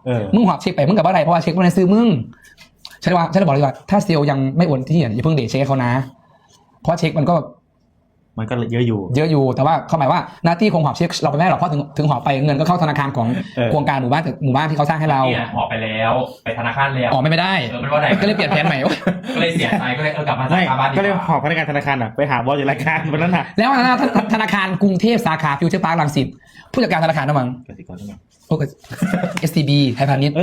มึงหอบเช็คไปมึงกับอะไรเพราะว่าเช็คมันในซื้อมึงฉันจะบอกเลยว่าถ้าเซลล์ยังไม่โอนที่อย่าเพิ่งเดทเช็คเขานะเพราะเช็คมันก็เยอะอยู่แต่ว่าเขาหมายว่าหน้าที่คงหอบเช็คเราไปไม่ได้หรอกเพราะถึงหอบไปเงินก็เข้าธนาคารของโครงการหมู่บ้านที่เขาสร้างให้เราหอบไปแล้วไปธนาคารแล้วออกไม่ได้มันว่าไหนก็เลยเปลี่ยนแผนใหม่ก็เลยเสียใจก็เลยกลับมาสาขาบ้านก็เลยหอบพนักงานธนาคารไปหาบอสอยู่รายการวันนั้นแล้วธนาคารกรุงเทพสาขาฟิวเจอร์พาร์ครังสิตผู้จัดการธนาคารนะมั้งSCB ไทยพาณิชย์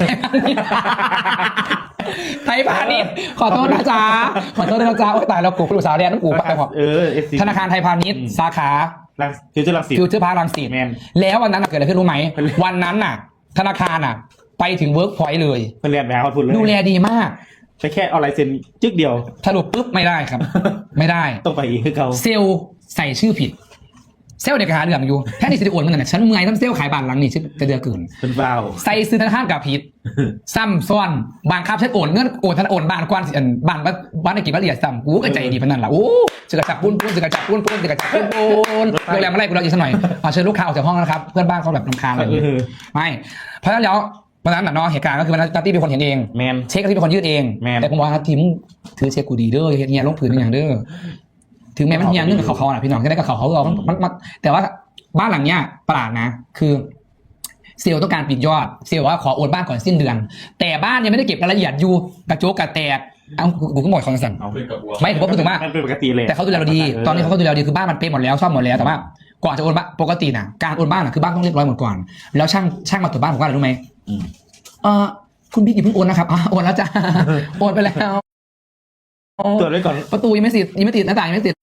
ไทยพาณิชย์ขอโทษนะจ๊ะโอ้ยตายแล้วกูผู้สาวเรียนน้ำกูไปหอบธนาคารไทยพาณิชย์สาขาฟิวเจอร์พาร์ครังสิตแล้ววันนั้นเกิดอะไรขึ้นรู้ไหมวันนั้นน่ะธนาคารน่ะไปถึงเวิร์กพอยต์เลยเรียนแบบเขาพูดเลยดูแลดีมากไปแค่เอาลายเซ็นจึ๊กเดียวสรุปปุ๊บไม่ได้ครับไม่ได้ต้องไปอีกคือเขาเซลล์ใส่ชื่อผิดเซลล์เด็กหาเรื่องอยู่แค่นี้สิโอนมันน่ะฉันเมื่อยทั้งเซลล์ขายบ้านหลังนี่ฉันจะเดือดเกินเป็นเบาใส่ซื้อธนาคารกับผิดซ้ำซ้อนบางครับฉันโอนเงินโอนบ้านกว้านบ้านในกี่บ้านละเอียดซ้ำกูก็ใจดีพนันล่ะโอ้จะกระจับปุ้นโรงแรมอะไรกูเราอีกสักหน่อยเชิญลูกค้าออกจากห้องนะครับเพื่อนบ้านเขาแบบรำคาญอะไรไม่เพราะฉะนั้นแล้ววันนั้นน่ะเนาะเหตุการณ์ก็คือวันนั้นตี้เป็นคนเห็นเองเช็คที่เป็นคนยื่นเองแต่ผมว่าทีมถือเช็คกูดีเด้อเฮียลงผืนอย่างเด้อถึงแม้มันเฮียเรื่องกับเขาน่ะพี่น้องก็ได้กับเขาเรามันแต่ว่าบ้านหลังเนี้ยประหลาดนะคือเซลล์ต้องการปิดยอดเซลล์ว่าขอโอนบ้านก่อนสิ้นเดือนแต่บ้านยังไม่ได้เก็บรายละเอียดอยู่กระโจกกระแตกเอากูก็หมดคอนสั่งไม่ผมก็พูดถึงว่าเป็นปกติเลยแต่เขาดูแลเราดีตอนนี้เขาก็ดูแลเราดีคือบ้านมันเป๊ะหมดแล้วซ่อมหมดแล้วแต่ว่าก่อนจะโอนบ้านปกติน่ะการโอนบ้านน่ะคือบ้านต้องเรียบร้อยหมดก่อนแล้วช่างมาตรวจบ้านผมว่าอะไรรู้ไหมคุณพี่อย่าเพิ่งโอนนะครับโอนแล้วจ้าโอนไปแล้วตรวจไว้ก่อนประตูยังไม่ติดหน้าต่างยังไม่ติด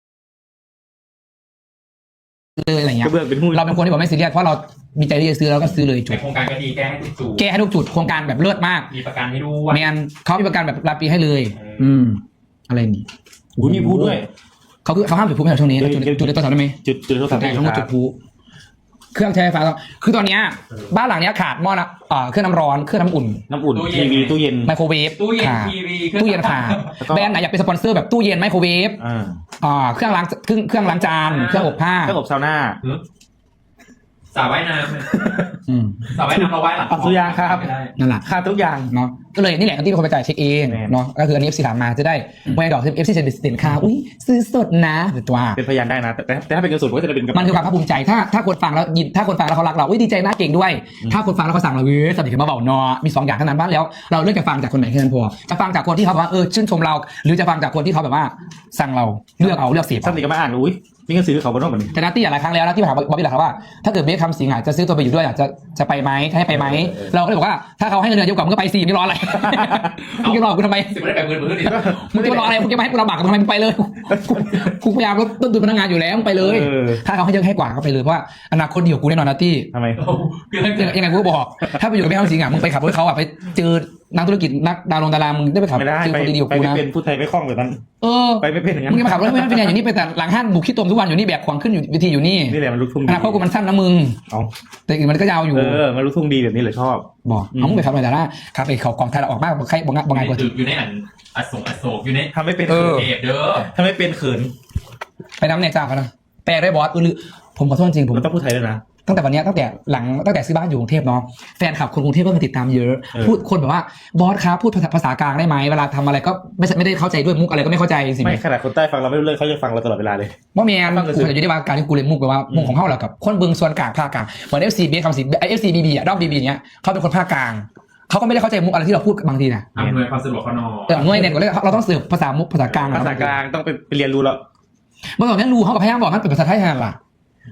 เลยอะไรเงี้ยเราเป็นคนที่บอกไม่ซีเรียสเพราะเรามีใจที่จะซื้อแล้วก็ซื้อเลยจุดโครงการก็ดีแก้ให้ทุกจุดโครงการแบบเลิศมากมีประกันให้ด้วยแมนเขามีประกันแบบรายปีให้เลยอะไรนี่มีพูดด้วยเขาห้ามจุดพลุในช่วงนี้จุดในตัวถังได้ไหมจุดโทรศัพท์ได้ทั้งหมดจุดพลุเครื่องใช้ไฟฟ้าคือตอนนี้บ้านหลังนี้ขาดหม้อนะเครื่องน้ำร้อนเครื่องน้ำอุ่นทีวีตู้เย็นไมโครเวฟตู้เย็นทีวีตู้เย็นค่ะแบรนด์ไหนอยากเป็นสปอนเซอร์แบบตู้เย็นไมโครเวฟเครื่องล้างจานเครื่องอบผ้าเครื่องอบซาวน่าสระว่ายน้ำสระว่ายน้ำเราว่ายหลังสุยาครับนั่นแหละค่าทุกอย่างเนาะก็เลยนี่แหละที่เป็นคนไปจ่ายเช็คเองเนาะก็คืออันนี้ FC ถามมาจะได้ไม่ดอก FC จะสินค้าอุ้ยซื้อสดนะตัวเป็นพยานได้นะแต่ถ้าเป็นเงินสดก็จะเป็นมันคือความภาคภูมิใจถ้าคนฟังแล้วยินถ้าคนฟังแล้วเขารักเราอุ้ยดีใจน่าเก่งด้วยถ้าคนฟังแล้วเขาสั่งเราสนิทกันมาเบาเนาะมี2อย่างเท่านั้นบ้านแล้วเราเลือกจะฟังจากคนไหนแค่นั้นพอจะฟังจากคนที่เขาบอกว่าชื่นชมเราหรือจะฟังจากคนที่เขาแบบว่าสั่งเราเลือกเสียบสนิทกันมาอ่านอุ้ยมีเงินซื้อเขาบนโลกแบบนี้แต่นัตตี้หลายครั้งแล้วนะที่ถามบอบบี้หลักว่าถ้าเกิดเบคคำสิงจะซื้อตัวไปอยู่ด้วยจะไปไหมให้ไปไหมเราก็เลยบอกว่าถ้าเขาให้เงินเดือนเยอะกว่ามึงก็ไปสิมึงรออะไรมึงจะรอกูทำไมไม่ได้ไปเงินดิมึงจะรออะไรมึงจะมาให้กูลำบากทำไมมึงไปเลยกูพยายามลดต้นทุนพนักงานอยู่แล้วมึงไปเลยถ้าเขาให้เยอะให้กว่าก็ไปเลยเพราะว่าอนาคตเดียวกูแน่นอนนัตตี้ทำไมยังไงกูก็บอกถ้าไปอยู่กับเบคคำสิงมึงไปขับรถเขาไปเจอนักธุรกิจนักดาวดารามึงได้ไปขับเจอคนดีๆกูนะเป็นผู้ไทยไม่คล่องแบบนั้นไปไม่เป็นอย่างนั้นมึงมาขับรถไม่เป็นอย่างนี้ไปแต่หลังห้างบุกขี้ตมทุกวันอยู่นี่แบกของขึ้นอยู่วิธีอยู่นี่นี่แหละมันลุกทุ่งอนาคตกูมันสั้นนะมึงแต่อื่นมันก็ยาวอยู่มันลุกทุ่งดีแบบนี้เลยชอบบอกมึงไปขับอะไรแต่ละขับไปเขากองไทยออกมากใครบอกงานกว่าอยู่ในอโศกอยู่ในทำไม่เป็นเด้อทำไม่เป็นเขินไปน้ำเนี่ยจ้าเขานะแปลได้บอสผมขอโทษจริงผมต้องพูดไทยด้วยนะตั้งแต่วันนี้ตั้งแต่ซื้อบ้านอยู่กรุงเทพเนาะแฟนคลับคนกรุงเทพก็มาติดตามเยอะพูดคนแบบว่าบอสครับพูดภาษากลางได้ไหมเวลาทำอะไรก็ไม่ได้เข้าใจด้วยมุกอะไรก็ไม่เข้าใจสิไม่ขนาดคนใต้ฟังเราไม่รู้เรื่องเขาจะฟังเราตลอดเวลาเลยว่าแมนกูจะอยู่ในวงการที่กูเรียนมุกแบบว่ามุกของเขาแหละกับคนเบิ้งส่วนกลางภาคกลางเหมือน FC เบสคำสิFCBB อ่ะด้อม BB เนี้ยเขาเป็นคนภาคกลางเขาก็ไม่ได้เข้าใจมุกอะไรที่เราพูดบางทีนะอำนวยความสะดวกเขาหน่อยหน่วยเนี่ยเราต้องสื่อภาษามุกภาษากลางต้องไปเรียนรู้แล้วเมื่อก่อนนั้นรู้เขากับพยายามบอกมันเป็นภาษาไทยแทนล่ะ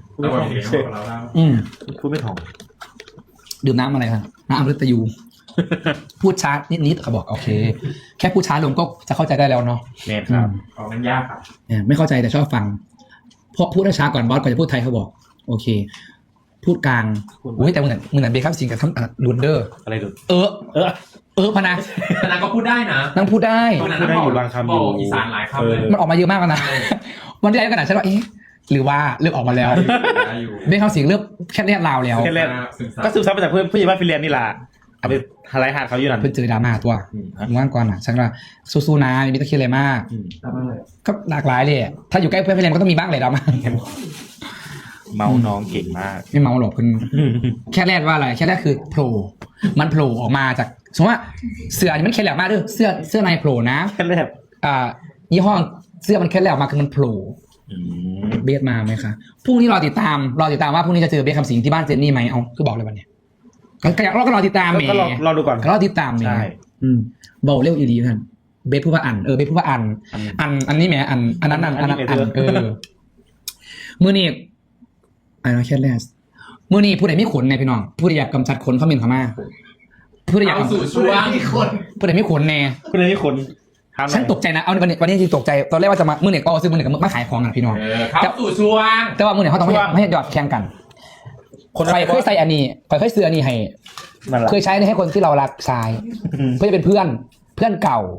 พูดไม่ถ่องดื่มน้ำอะไรครับน้ำอมฤตยูพูดช้านิดเขาบอกโอเคแค่พูดช้าลงก็จะเข้าใจได้แล้วเนาะเนี่ยครับมันยากครับไม่เข้าใจแต่ชอบฟังเพราะพูดช้าก่อนบอสก่อนจะพูดไทยเขาบอกโอเคพูดกลางโอ้ยแต่มึงเบคครับสิงกับทั้งลุนเดอร์อะไรดูพนาก็พูดได้นะนั่งพูดได้อยู่บางคำอยู่อีสานหลายคำเลยมันออกมาเยอะมากนะวันที่แล้วก็หนาฉันว่าหรือว่าเริ่มออกมาแล้วเบคคำสิงเริ่มแค่เรียกลาวแล้วก็ซึมซับมาจากผู้ใหญ่บ้านฟินแลนด์นี่แหละเอาไปหาไรหาเขาอยู่นั่นเพิ่งเจอดราม่าตัวว่างก่อนอ่ะฉันว่าสู้ๆนะมีตะเคียนอะไรมากก็หลากหลายเลยถ้าอยู่ใกล้เพื่อนฟินแลนด์ก็ต้องมีบ้างเลยดราม่าเมาน้องเก่งมากไม่เมาหรอกคุณแค่แรกว่าอะไรแค่แรกคือโผล่มันโผล่ออกมาจากสมมติว่าเสื้อนี่มันแค่แหลมมากเด้อเสื้อในโผล่นะแค่แรกยี่ห้อเสื้อมันแค่แหลมมาคือมันโผล่เบสมาไหมคะพรุ่งนี้รอติดตามว่าพรุ่งนี้จะเจอเบสคำสิงที่บ้านเจนนี่ไหมเอาคือบอกเลยวันเนี้ยเราก็รอติดตามเมย์ก็รอดูก่อนก็รอติดตามเมย์ใช่บอกเร็วอีดีท่านเบสพูดว่าเบสพูดว่าอันนี้แหมอันนั้นมือนี่แค่แรกมือนี่ผู้ใดไม่ขนในพี่น้องผู้ใดอยากกำจัดขนเขาเมนเขามาผู้ใดอยากเอาสู่ช่วงผู้ใดไม่ขนแน่คุณนี่คนฉันตกใจนะเอาวันนี้จริงตกใจตอนแรกว่าจะมามือเนี่ยก็ซื้อมือเนี่ยกับมาขายของกันพี่น้องเข้าสู่ช่วงแต่ว่ามือเนี่ยเขาต้องไม่ให้หยอดแข่งกันใครเคยใส่อันนี้ใครเคยซื้ออันนี้ให้เคยใช้ให้คนที่เรารักใช้เพื่อจะเป็นเพื่อนเก่า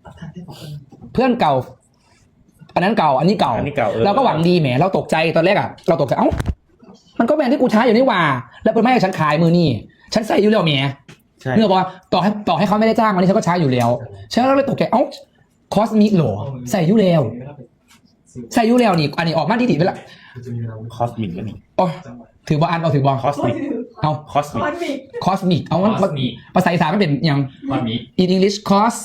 อันนั้นเก่าอันนี้เก่าเราก็หวังดีแหมเราตกใจตอนแรกอ่ะเราตกใจเอ้ามันก็แบรนด์ที่กูใช้อยู่นี่ว่าแล้วเป็นไม่ให้ฉันขายมือนี่ฉันใส่อยู่แล้วแหมเนื่อบอกว่าต่อให้เขาไม่ได้จ้างวันนี้ฉันก็ใช้อยู่แล้วฉันก็เลยตกใจเอ้าคอสมิกหรอใส่อยู่แล้วนี่อันนี้ออกมาดีๆไปละคอสมิกก็มีโอ้ถือบอลเอาถือบอลคอสมิกเอาคอสมิกเอามันภาษาอีสานไม่เป็นยังวันนี้ in English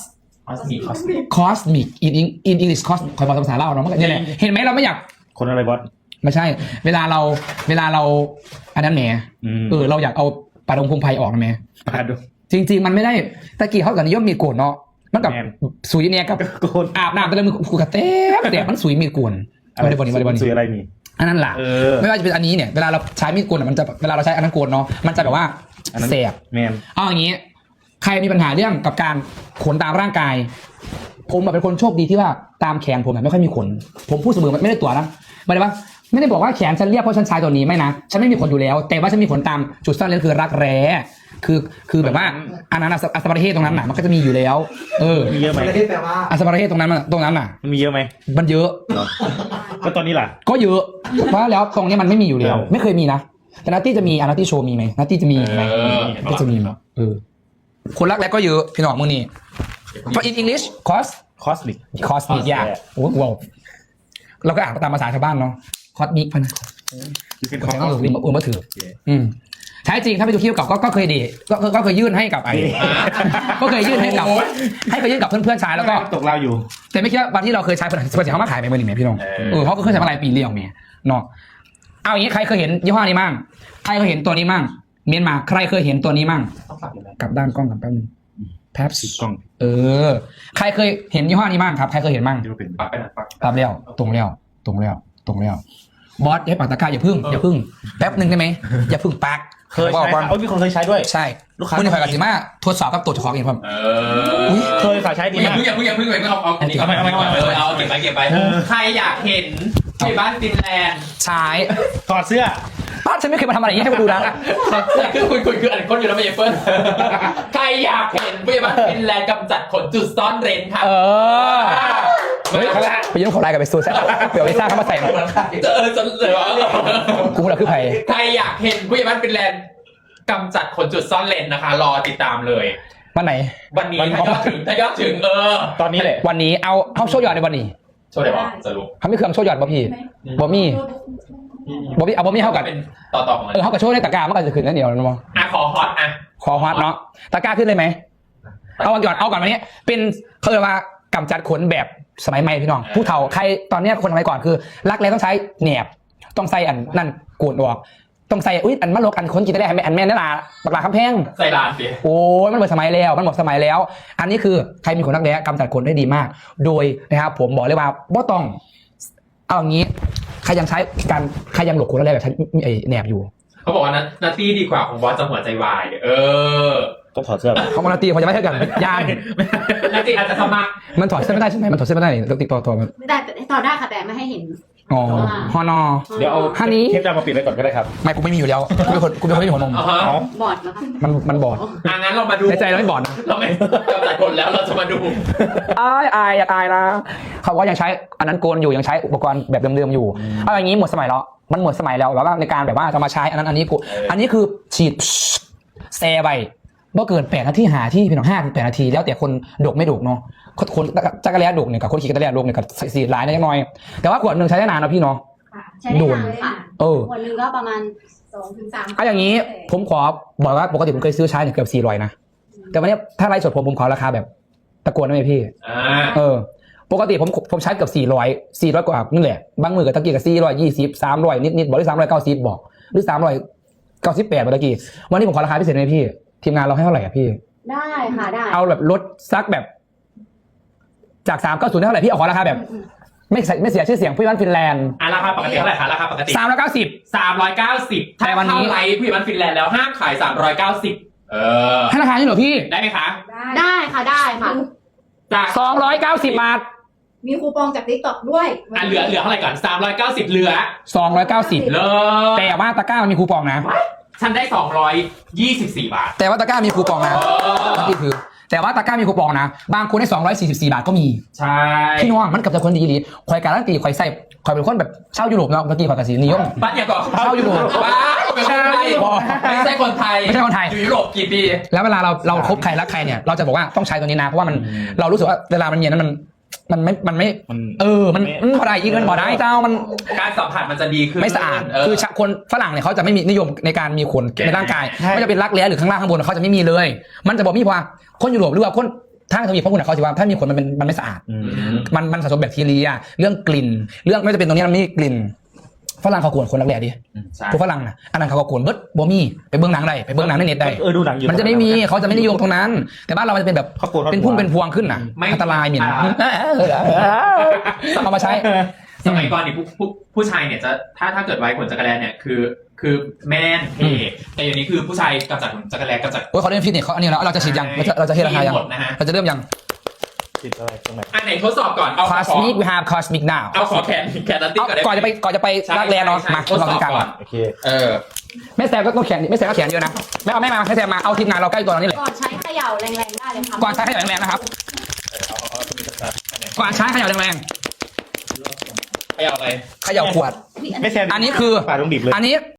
cosmic in English cos คอยบอกภาษาเล่าเนาะมันก็นี่แหละเห็นไหมเราไม่อยากคนอะไรบอสไม่ใช่ เวลาเราอันนั้นแหมเราอยากเอาปลาดงพงไพออกนะแหมมาดูจริงๆมันไม่ได้ตะกี้เขากับนิยมมีโกนเนาะมันกับสุยเนี่ยกับโกนอาบน้ำแต่ละมือกูกระเต๊ะมันสุยมีโกนไม่ได้บอลนี่ซื้ออะไรมีอันนั้นแหละไม่ว่าจะเป็นอันนี้เนี่ยเวลาเราใช้มีดโกนมันจะเวลาเราใช้อันนั้นโกนเนาะมันจะแบบว่าแสบแมนเอาอย่างนี้ใครมีปัญหาเรื่องกับการขนตามร่างกายผมเป็นคนโชคดีที่ว่าตามแขนผมไม่ค่อยมีขนผมพูดเสมอไม่ได้ตัวนะไม่ได้ว่าไม่ได้บอกว่าแขนฉันเรียบเพราะฉันใช้ตัวนี้ไม่นะฉันไม่มีขนอยู่แล้วแต่ว่าฉันมีขนตามจุดซ่อนเร้นคือรักแร้คือแบบว่าอันนั้นอัสบาร์เทตรงนั้นน่ะมันก็จะมีอยู่แล้วมีเยอะไหมอัสบาร์เทตตรงนั้นน่ะมันมีเยอะไหมมันเยอะก็ตอนนี้ล่ะก็เยอะเพราะแล้วตรงนี้มันไม่มีอยู่แล้วไม่เคยมีนะแต่นัตตี้จะมีนัตตี้โชว์มีไหมนัตตี้จะมีไหมก็จะมีมั้ยคนรักแร้ก็เยอะพี่น้องมือนี่เพราะ in English cosmic ยากโอ้โหเราก็อ่านตามภาษาชาวบ้านเนาะคอสมิกพนะก็ใช้ต้องอุ่นมาถือใช้จริงถ้าไปดูคลิปเก่าก็เคยดีก็เคยยื่นให้กับก็เคยยื่นให้กับเพื่อนๆใช้แล้วก็ตกเราอยู่แต่ไม่คิดว่าวันที่เราเคยใช้เพื่อนเขามาขายไปเมื่อไหร่พี่น้องเขาก็เคยใช้มาหลายปีเรียงเมียเนาะเอาอย่างนี้ใครเคยเห็นยี่ห้อนี้มั่งใครเคยเห็นตัวนี้มั่งเมียนมาใครเคยเห็นตัวนี้มั่งกลับด้านกล้องกับแป๊บนึงแป๊บกล้องใครเคยเห็นยี่ห้อนี้มั่งครับใครเคยเห็นมั่งปักไปนะปักตามแล้วตรงแล้วบอสให้ปากตะกร้าอย่าพึ่งแป๊บนึงได้ไหมอย่าพึ่งปักเคยใช้มีคนเคยใช้ด้วยใช่ลูกค้าในฝ่ายการสิมาทดสอบกับตัวเจ้าของเองครับเคยค่ะใช้ดีมากอย่าเพิ่งเลยก็เอาอันนี้เอาเก็บไปใครอยากเห็นที่บ้านฟินแลนด์ใช้ถอดเสื้อบ้านฉันไม่เคยมาทำอะไรอย่างนี้ให้มาดูนะคือคุยอันคนอยู่แล้วไม่เฟิร์นใครอยากเห็นผู้ใหญ่บ้านฟินแลนด์กำจัดขนจุดซ่อนเร้นค่ะเฮ้ยไปยืมของไลน์กับไปซูซ่าเดี๋ยวไปซ่าเข้ามาใส่หน่อยจนเลยว่ากูเราคือใครใครอยากเห็นผู้ใหญ่บ้านฟินแลนด์กำจัดขนจุดซ่อนเร้นนะคะรอติดตามเลยวันไหนวันนี้ถ้ายอดถึงตอนนี้แหละวันนี้เอาโชว์ยอดในวันนี้โชว์ได้ป่ะสรุปเขาไม่เคยโชว์ยอดบ่พี่บ่มีเข้ากันเป็นต่อของมันเขากับโชว์ในตะกร้ามันก็จะขึ้นนั่นเดียวนะมั้งขอฮอตขอฮอตเนาะตะกร้าขึ้นเลยไหมเอาก่อนวันนี้เป็นเขาเรียกว่ากำจัดขนแบบสมัยใหม่พี่น้องผู้เฒ่าใครตอนนี้คนสมัยก่อนคือรักแร้ต้องใช้แหนบต้องใส่อันนั่นโกนออกต้องใส่อันมะลกอันคนกินได้อันแม่นั่นล่ะปากลาคำแพงใส่ลานสิโอ้ยมันหมดสมัยแล้วอันนี้คือใครมีขนรักแร้กำจัดขนได้ดีมากโดยนะครับผมบอกเลยว่าบ่ต้องเอาอย่างนี้ใครยังหลบขนรักแร้แบบใช้แหนบอยู่เขาบอกว่านัตตี้ดีกว่าของบอสจะหัวใจวายต้องถอดเสื้อเขาบอกนาตีเขาจะไม่เท่ากันย่านนาตีอาจจะทำมามันถอดเสื้อไม่ได้ใช่ไหมมันถอดเสื้อไม่ได้ต้องติดตัวมันแต่ถอดได้ค่ะแต่ไม่ให้เห็นฮอนอเดี๋ยวเอาฮันนี้เทปดำมาปิดไว้ก่อนก็ได้ครับไม่กูไม่มีอยู่แล้วกูเป็นคนไม่มีหัวนมบอดนะคะมันบอดงั้นเรามาดูในใจเราไม่บอดนะเราไม่กำจัดขนแล้วเราจะมาดูอายนะเขาว่ายังใช้อันนั้นโกนอยู่ยังใช้อุปกรณ์แบบเดิมๆอยู่เอาอย่างนี้หมดสมัยแล้วมันหมดสมัยแล้วแบบว่าในการแบบว่าจะมาใช้อันนั้นอันนี้คือฉีดแซ่ไปเมื่อเกิน8 นาทีหาที่พี่น้อง5 ถึง 8 นาทีแล้วแต่คนดกไม่ดกเนาะคนจักรแล้ดกเนี่ยกับคนขี่จักรแล้ดกเนี่ยกับสีหลายนิดหน่อยแต่ว่าขวดนึงใช้ได้นานนะพี่เนาะใช้ได้นานค่ะขวดนึงก็ประมาณ 2 ถึง 3 เอาอย่างนี้ผมขอบอกว่าปกติผมเคยซื้อใช้เนี่ยเกือบ400นะแต่วันนี้ถ้าไลฟ์สดผมขอราคาแบบตะโกนได้ไหมพี่ ปกติผมใช้เกือบ400กว่านี่แหละบางมือกับตะกี้กับ420 300นิดบอกหรือ390บอกหรือ398เมื่อกี้วันนี้ผมขอราคาพิเศษเลยพี่ทีมงานเราให้เท่าไหร่อ่ะพี่ได้ค่ะได้เอาแบบลดซักแบบจาก390ได้เท่าไหร่พี่เอาขอราคาแบบไม่เสียชื่อเสียงพี่บ้านฟินแลนด์ราคาปกติเท่าไหร่คะราคาปกติ 390 390ถ้าแต่วันนี้เข้าไลฟ์พี่มันฟินแลนด์แล้วห้ามขาย390 ให้ราคานี้เหรอพี่ได้ไหมคะได้ค่ะได้ค่ะจาก 290 บาทมีคูปองจาก TikTok ด้วยเหลือเท่าไหร่ก่อน390เหลือ 290 เลยแต่ว่าตะกร้ามันมีคูปองนะฉันได้224บาทแต่ว่าตะกร้ามีคูปองนะนี่คือแต่ว่าตะกร้ามีคูปองนะบางคนได้244บาทก็มีใช่พี่น้องมันกับจะคนดีดีคอยการันตีคอยใส่คอยเป็นคนแบบชาวยุโรปเนาะเมื่อกี้คอยกระสีนิยมบ้านอย่าบอกชาวยุโรปบ้าเป็นคนไทยไม่ใช่คนไทยไม่ใช่คนไทยอยู่ยุโรปกี่ปีแล้วเวลาเราคบใครรักใครเนี่ยเราจะบอกว่าต้องใช้ตัวนี้นะเพราะว่ามันเรารู้สึกว่าเวลามันเย็นนั้นมันไม่มันพอได้อีกมันพอได้เจ้ามันการสัมผัสมันจะดีขึ้นไม่สะอาดคือคนฝรั่งเนี่ยเขาจะไม่มีนิยมในการมีขนในร่างกายไม่จะเป็นรักแร้หรือข้างล่างข้างบนเขาจะไม่มีเลย มันจะบอกมีว่าคนยุโรปหรือว่าคนทางทวีปพวกคุณเขาสิว่าถ้ามีขนมันไม่สะอาดมันสะสมแบคทีเรียเรื่องกลิ่นเรื่องไม่จะเป็นตรงนี้มันมีกลิ่นฝรั่งเขาโกนคนรักแร้ดิพวกฝรั่งนะอันนั้นเขาก็โกนเบิร์ดบ่มีไปเบื้องหนังได้ไปเบื้องหนังในเน็ตได้ดูหนังอยู่มันจะไม่มีเขาจะไม่นิยมตรงนั้น แต่บ้านเรามันจะเป็นแบบเป็นพุ่มเป็นพวงขึ้นน่ะอันตรายเหม็นเอามาใช้สมัยก่อนนี่ผู้ชายเนี่ยจะถ้าเกิดไว้ขนจักรแลเนี่ยคือแมนเท่แต่อย่างนี้คือผู้ชายกำจัดขนจักรแลกำจัดโอ้ยเขาเล่นฟิตเนสเขาอันนี้แล้วเราจะฉีดยังเราจะเทราคายังหมดนะฮะเราจะเริ่มยังติดอะไรตรงไหนอันไหนทดสอบก่อนเอา cosmic we have cosmic now เอาขอแขนนัตตี้ก่อนได้ก่อนจะไปรักแร้เนาะมาทดเราสอบกันก่อนโอเคแม่แซมก็ต้องแขนแม่แซมก็แขนเยอะนะแม่เอาแม่มาให้แซมมาเอาทีมงานเราใกล้ตัวเรานี่แหละก่อนใช้เขย่าแรงๆได้เลยค่ะก่อนใช้ขยับแรงๆนะครับก่อนใช้ขยับแรงไปเอาอะไรๆขยับขวดไม่แซมอันนี้คือปาดลงดิบเลยอันนี้